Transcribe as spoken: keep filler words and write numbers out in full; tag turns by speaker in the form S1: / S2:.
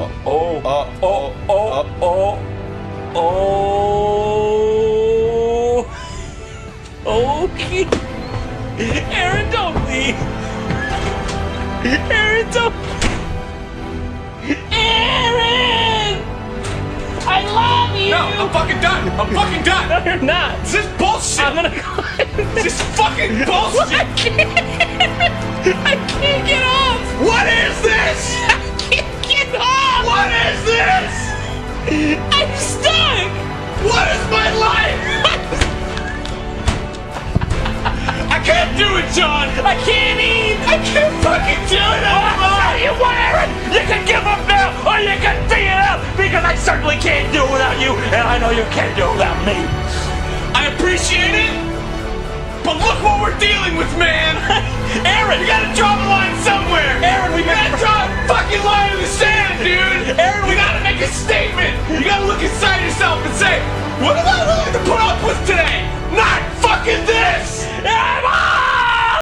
S1: oh,
S2: uh,
S1: oh, oh, oh, oh. Okay. Aaron, don't leave. Aaron, don't. Aaron! I love you!
S2: No, I'm fucking done. I'm fucking done.
S1: No, you're not.
S2: This is bullshit.
S1: I'm gonna go.
S2: This is fucking
S1: I
S2: bullshit.
S1: can't. I can't get off.
S2: What is this?
S1: I can't get off.
S2: What is this?
S1: I'm stuck.
S2: What is my life? I can't do it, John.
S1: I can't eat.
S2: I can't fucking do it anymore.
S1: You what, Aaron? You can give up now, or you can figure it out, because I certainly can't do it without you, and I know you can't do it without me.
S2: I appreciate it, but look what we're dealing with, man.
S1: Aaron,
S2: You gotta draw the line somewhere.
S1: Aaron, we
S2: You gotta draw a fucking line in the sand, dude.
S1: Aaron,